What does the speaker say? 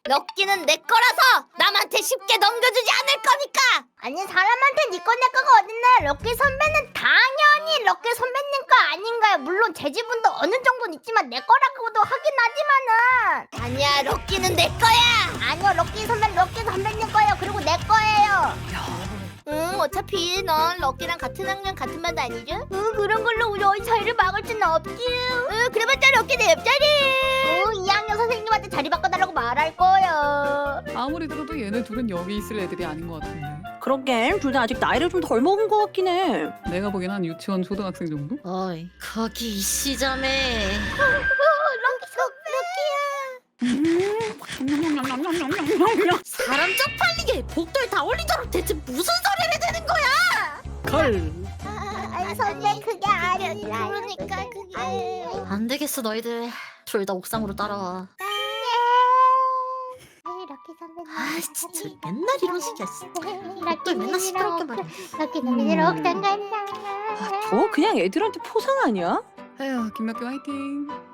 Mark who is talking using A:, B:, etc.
A: 럭키는 내 거라서 남한테 쉽게 넘겨주지 않을 거니까.
B: 아니 사람한테 니꺼 내 거가 어딨나. 럭키 선배는 당연히 럭키 선배님 거 아닌가요? 물론 제 지분도 어느 정도는 있지만 내 거라고도 하긴 하지만은.
A: 아니야, 럭키는 내 거야.
B: 아니요, 럭키 선배님 거예요. 그리고 내 거예요.
A: 응, 어차피 넌 럭키랑 같은 학년 같은 반 다니죠?
B: 응, 그런 걸로 우리 어이 사이를 막을 수는 없지.
A: 응, 그래봤자 럭키 내 옆자리.
B: 응, 2학년 선생님한테 자리 바꿔달라고 말할 거야.
C: 아무리 들어도 얘네 둘은 여기 있을 애들이 아닌 것 같은데.
D: 그러게 둘 다 아직 나이를 좀 덜 먹은 것 같긴 해.
C: 내가 보기엔 한 유치원 초등학생 정도?
E: 어이, 거기 이 시점에 사람 쪽팔리게 복도에 다 올리도록 대체 무슨 소리를 대는 거야?
C: 걸.
B: 아니 선배 그게 아니라.
A: 그러니까 그게.
E: 안 되겠어 너희들 둘 다 옥상으로 따라와.
B: 럭키 선배님.
E: 아 진짜 맨날 이런 식이야. 복도에 맨날 시끄럽게 말해.
B: 럭키 선배님 옥상 간다.
D: 저 그냥 애들한테 포상 아니야?
C: 에휴, 김학교 화이팅.